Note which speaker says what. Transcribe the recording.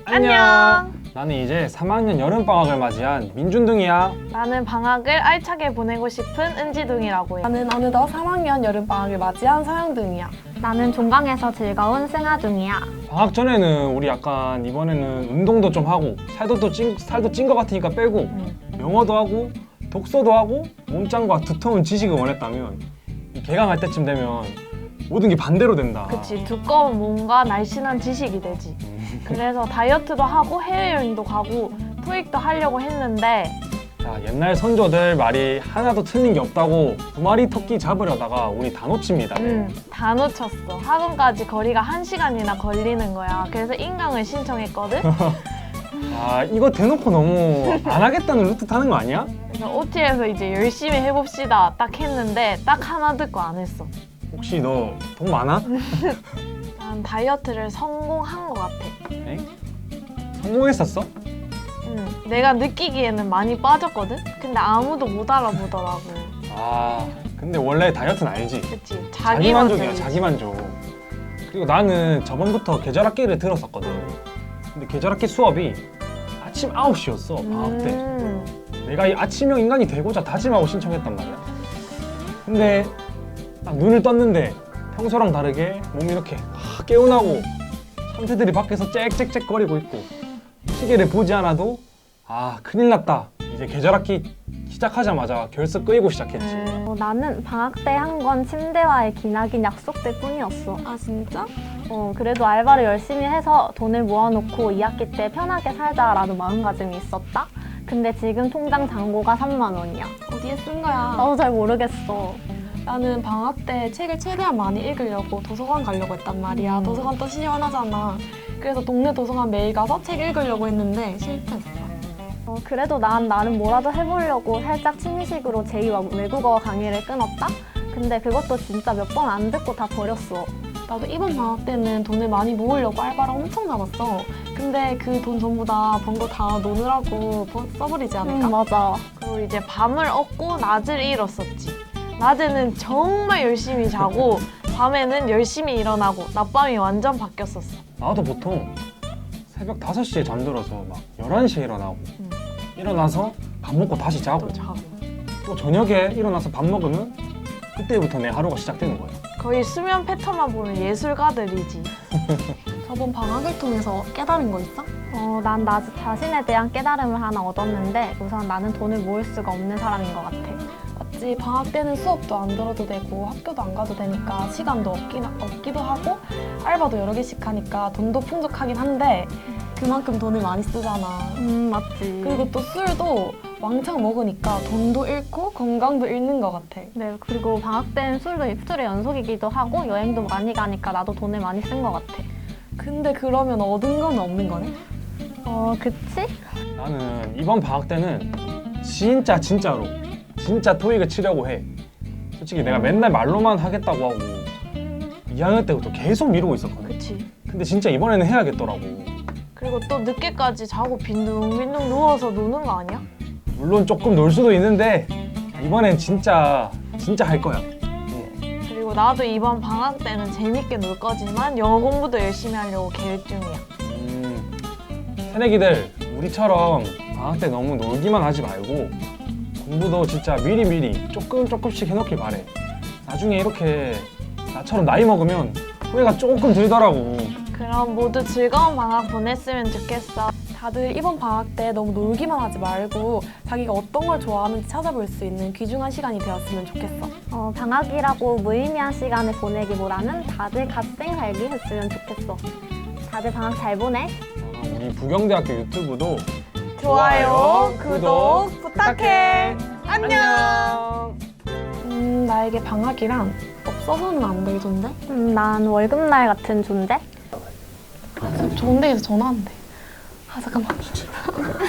Speaker 1: 안녕.
Speaker 2: 나는 이제 3학년 여름방학을 맞이한 민준둥이야.
Speaker 1: 나는 방학을 알차게 보내고 싶은 은지둥이라고 해.
Speaker 3: 나는 어느덧 3학년 여름방학을 맞이한 서영등이야.
Speaker 4: 나는 종강에서 즐거운 승하둥이야.
Speaker 2: 방학 전에는 우리 약간 이번에는 운동도 좀 하고 살도 찐 것 같으니까 빼고 영어도 하고 독서도 하고 몸짱과 두터운 지식을 원했다면 이 개강할 때쯤 되면 모든 게 반대로 된다.
Speaker 1: 그치, 두꺼운 몸과 날씬한 지식이 되지. 그래서 다이어트도 하고 해외여행도 가고 토익도 하려고 했는데
Speaker 2: 자, 옛날 선조들 말이 하나도 틀린 게 없다고 두 마리 토끼 잡으려다가 우리 다 놓칩니다.
Speaker 1: 다 놓쳤어. 학원까지 거리가 1시간이나 걸리는 거야. 그래서 인강을 신청했거든.
Speaker 2: 아, 이거 대놓고 너무 안 하겠다는 루트 타는 거 아니야?
Speaker 1: 그래서 OT에서 이제 열심히 해봅시다 딱 했는데 딱 하나 듣고 안 했어.
Speaker 2: 혹시 너 돈 많아?
Speaker 1: 난 다이어트를 성공한 것 같아.
Speaker 2: 에? 성공했었어?
Speaker 1: 내가 느끼기에는 많이 빠졌거든? 근데 아무도 못 알아보더라고.
Speaker 2: 아, 근데 원래 다이어트는 알지?
Speaker 1: 그치?
Speaker 2: 자기 만족이야,
Speaker 1: 만족이지.
Speaker 2: 자기 만족. 그리고 나는 저번부터 계절학기를 들었었거든. 근데 계절학기 수업이 아침 9시였어, 방학 때. 내가 이 아침형 인간이 되고자 다짐하고 신청했단 말이야. 근데 딱 눈을 떴는데 평소랑 다르게 몸이 이렇게 개운하고 참새들이 밖에서 짹짹짹 거리고 있고 시계를 보지 않아도 아, 큰일 났다. 이제 계절학기 시작하자마자 결석 끄이고 시작했지.
Speaker 4: 나는 방학 때 한 건 침대와의 기나긴 약속들 뿐이었어.
Speaker 3: 아 진짜?
Speaker 4: 그래도 알바를 열심히 해서 돈을 모아놓고 2학기 때 편하게 살자라는 마음가짐이 있었다. 근데 지금 통장 잔고가 3만 원이야.
Speaker 3: 어디에 쓴 거야?
Speaker 4: 나도 잘 모르겠어.
Speaker 3: 나는 방학 때 책을 최대한 많이 읽으려고 도서관 가려고 했단 말이야. 도서관 또 시원하잖아. 그래서 동네 도서관 매일 가서 책 읽으려고 했는데 실패했어.
Speaker 4: 그래도 난 나름 뭐라도 해보려고 살짝 취미식으로 제2 외국어 강의를 끊었다? 근데 그것도 진짜 몇 번 안 듣고 다 버렸어.
Speaker 3: 나도 이번 방학 때는 돈을 많이 모으려고 알바를 엄청 나갔어. 근데 그 돈 전부 다 번 거 다 노느라고 써버리지 않을까?
Speaker 4: 맞아.
Speaker 1: 그리고 이제 밤을 얻고 낮을 잃었었지. 낮에는 정말 열심히 자고 밤에는 열심히 일어나고 낮밤이 완전 바뀌었었어.
Speaker 2: 나도 보통 새벽 5시에 잠들어서 막 11시에 일어나고 일어나서 밥 먹고 다시 자고
Speaker 1: 또 자고.
Speaker 2: 또 저녁에 일어나서 밥 먹으면 그때부터 내 하루가 시작되는 거야.
Speaker 1: 거의 수면 패턴만 보면 예술가들이지.
Speaker 3: 저번 방학을 통해서 깨달은 거 있어?
Speaker 4: 난 나 자신에 대한 깨달음을 하나 얻었는데 우선 나는 돈을 모을 수가 없는 사람인 것 같아.
Speaker 3: 맞지. 방학 때는 수업도 안 들어도 되고 학교도 안 가도 되니까 시간도 없기도 하고 알바도 여러 개씩 하니까 돈도 풍족하긴 한데 그만큼 돈을 많이 쓰잖아.
Speaker 4: 맞지.
Speaker 3: 그리고 또 술도 왕창 먹으니까 돈도 잃고 건강도 잃는 것 같아.
Speaker 4: 네, 그리고 방학 때는 술도 입술의 연속이기도 하고 여행도 많이 가니까 나도 돈을 많이 쓴 것 같아.
Speaker 3: 근데 그러면 얻은 건 없는 거네?
Speaker 4: 그치?
Speaker 2: 나는 이번 방학 때는 진짜로 진짜 토익을 치려고 해. 솔직히 내가 맨날 말로만 하겠다고 하고 2학년 때부터 계속 미루고 있었거든.
Speaker 1: 그치?
Speaker 2: 근데 진짜 이번에는 해야겠더라고.
Speaker 1: 그리고 또 늦게까지 자고 빈둥빈둥 누워서 노는 거 아니야?
Speaker 2: 물론 조금 놀 수도 있는데 이번엔 진짜 할 거야.
Speaker 1: 그리고 나도 이번 방학 때는 재밌게 놀 거지만 영어 공부도 열심히 하려고 계획 중이야.
Speaker 2: 새내기들 우리처럼 방학 때 너무 놀기만 하지 말고 공부도 진짜 미리 조금씩 해놓길 바래. 나중에 이렇게 나처럼 나이 먹으면 후회가 조금 들더라고.
Speaker 1: 그럼 모두 즐거운 방학 보냈으면 좋겠어.
Speaker 3: 다들 이번 방학 때 너무 놀기만 하지 말고 자기가 어떤 걸 좋아하는지 찾아볼 수 있는 귀중한 시간이 되었으면 좋겠어.
Speaker 4: 방학이라고 무의미한 시간을 보내기보다는 다들 갓생 살기 했으면 좋겠어. 다들 방학 잘 보내.
Speaker 2: 우리 부경대학교 유튜브도
Speaker 1: 좋아요, 구독 부탁해.
Speaker 2: 안녕.
Speaker 3: 나에게 방학이란 없어서는 안 될 존재?
Speaker 4: 난 월급날 같은 존재?
Speaker 3: 좋은 데에서 전화한대. 아 잠깐만.